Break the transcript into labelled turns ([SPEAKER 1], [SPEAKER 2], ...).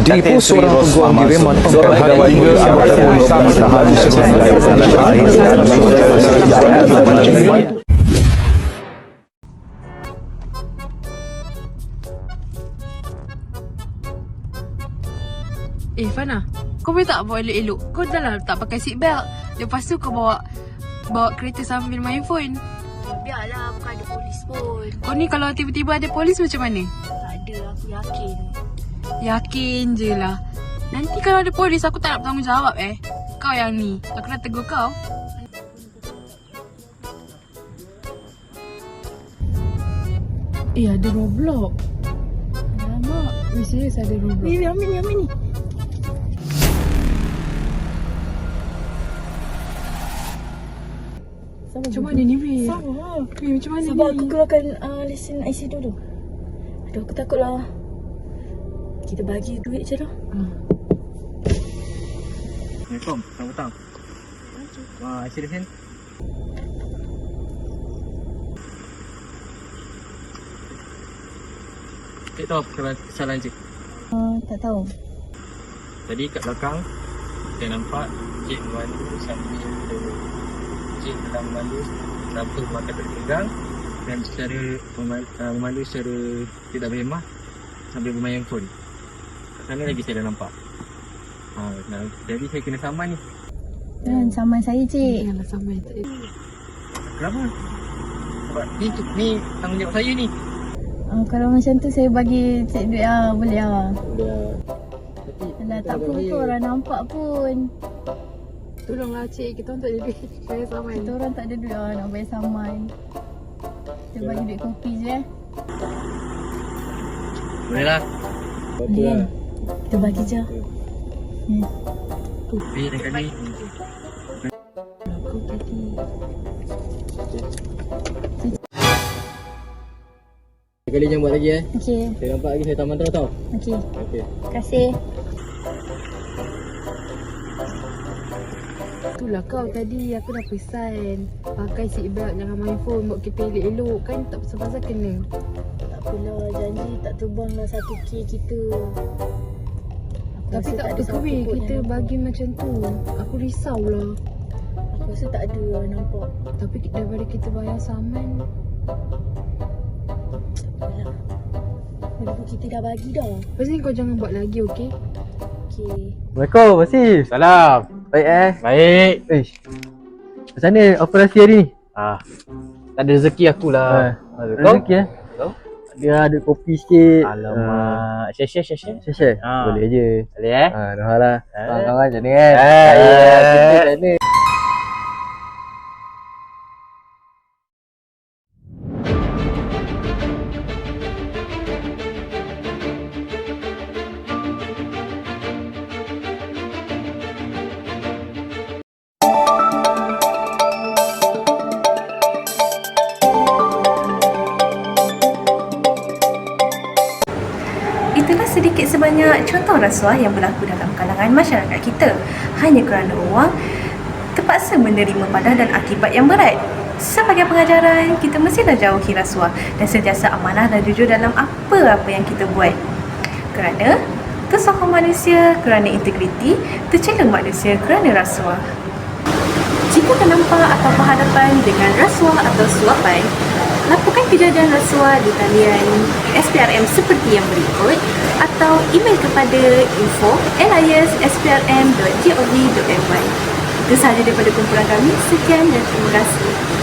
[SPEAKER 1] Tipu seorang peguam diriman pegawai hingga anggota polis tahan
[SPEAKER 2] Fana, kau boleh tak bawa elok-elok? Kau dah lah tak pakai seat belt. Lepas tu kau bawa kereta sambil main phone.
[SPEAKER 3] Biarlah, bukan ada polis pun.
[SPEAKER 2] Kau ni kalau tiba-tiba ada polis macam mana?
[SPEAKER 3] Tak ada, aku yakin.
[SPEAKER 2] Yakin je lah. Nanti kalau ada polis aku tak nak bertanggungjawab Kau yang ni, aku dah tegur kau. Ada Roblox. Alamak, serius ada Roblox.
[SPEAKER 3] Ambil ni.
[SPEAKER 2] Macam mana ni, Wei?
[SPEAKER 3] Sama.
[SPEAKER 2] Macam mana
[SPEAKER 3] Sebab
[SPEAKER 2] ni?
[SPEAKER 3] aku keluarkan lesen IC dulu. Aduh, aku takut lah. Kita bagi duit je lah.
[SPEAKER 4] Assalamualaikum, selamat petang. IC lesen. Cik tahu kesalahan cik?
[SPEAKER 3] Tak tahu.
[SPEAKER 4] Tadi kat belakang saya nampak cik memandu sambil cik dalam memandu tanpa mata terpegang dan secara memandu secara tidak berhemah sambil bermain phone. Kat sana lagi saya dah nampak. Jadi saya kena saman ni.
[SPEAKER 3] Dan saman saya, cik.
[SPEAKER 2] Janganlah sampai.
[SPEAKER 4] Kenapa? Sebab ni tanggungjawab saya ni.
[SPEAKER 3] Kalau macam tu saya bagi cik duit boleh lah.
[SPEAKER 4] Dah.
[SPEAKER 3] Alah, tak apa pun orang nampak pun.
[SPEAKER 2] Tolonglah cik, kita orang tak ada duit. Saya saman.
[SPEAKER 3] Kita orang tak ada duit nak bayar saman. Kita bagi duit kopi je
[SPEAKER 4] Boleh lah.
[SPEAKER 3] Boleh kan? Kita bagi je.
[SPEAKER 4] Boleh lain kali.
[SPEAKER 3] Aku tadi.
[SPEAKER 4] Sekali jangan buat lagi
[SPEAKER 3] Okey.
[SPEAKER 4] Saya nampak lagi saya taman tau.
[SPEAKER 3] Okey.
[SPEAKER 4] Okey.
[SPEAKER 3] Terima kasih.
[SPEAKER 2] Itulah kau tadi, aku dah pesan. Pakai seat belt, jangan main phone. Bawa kereta elok-elok kan, tak pasal-pasal kena.
[SPEAKER 3] Tak apalah, janji tak terbang lah 1K kita. Aku
[SPEAKER 2] Tapi
[SPEAKER 3] rasa
[SPEAKER 2] tak apa
[SPEAKER 3] ada
[SPEAKER 2] ke
[SPEAKER 3] siapa
[SPEAKER 2] weh,
[SPEAKER 3] pun
[SPEAKER 2] kita
[SPEAKER 3] yang nampak.
[SPEAKER 2] bagi macam tu. Aku risau lah.
[SPEAKER 3] Aku rasa tak ada orang nampak.
[SPEAKER 2] Tapi daripada kita bayar saman.
[SPEAKER 3] Apalah. Lagipun kita dah bagi dah.
[SPEAKER 2] Lepas ni kau jangan buat lagi, okey?
[SPEAKER 3] Okey.
[SPEAKER 5] Assalamualaikum, Masif. Salam. Baik Baik. Macam mana operasi hari ni?
[SPEAKER 4] Tak ada rezeki aku lah.
[SPEAKER 5] Rezeki
[SPEAKER 4] Kau?
[SPEAKER 5] Dia ada kopi sikit.
[SPEAKER 4] Alamak. Share.
[SPEAKER 5] Share. Boleh je.
[SPEAKER 4] Boleh
[SPEAKER 5] Dah lah. Kawan-kawan macam ni kan.
[SPEAKER 4] Ya.
[SPEAKER 5] Kita macam ni.
[SPEAKER 6] Itulah sedikit sebanyak contoh rasuah yang berlaku dalam kalangan masyarakat kita hanya kerana wang terpaksa menerima padah dan akibat yang berat. Sebagai pengajaran, kita mestilah jauhi rasuah dan sentiasa amanah dan jujur dalam apa-apa yang kita buat. Kerana tersokong manusia kerana integriti, tercela manusia kerana rasuah. Jika ternampak atau berhadapan dengan rasuah atau suapan, laporkan kejadian rasuah di talian SPRM seperti yang berikut atau email kepada info@sprm.gov.my. Itu sahaja daripada kumpulan kami. Sekian dan terima kasih.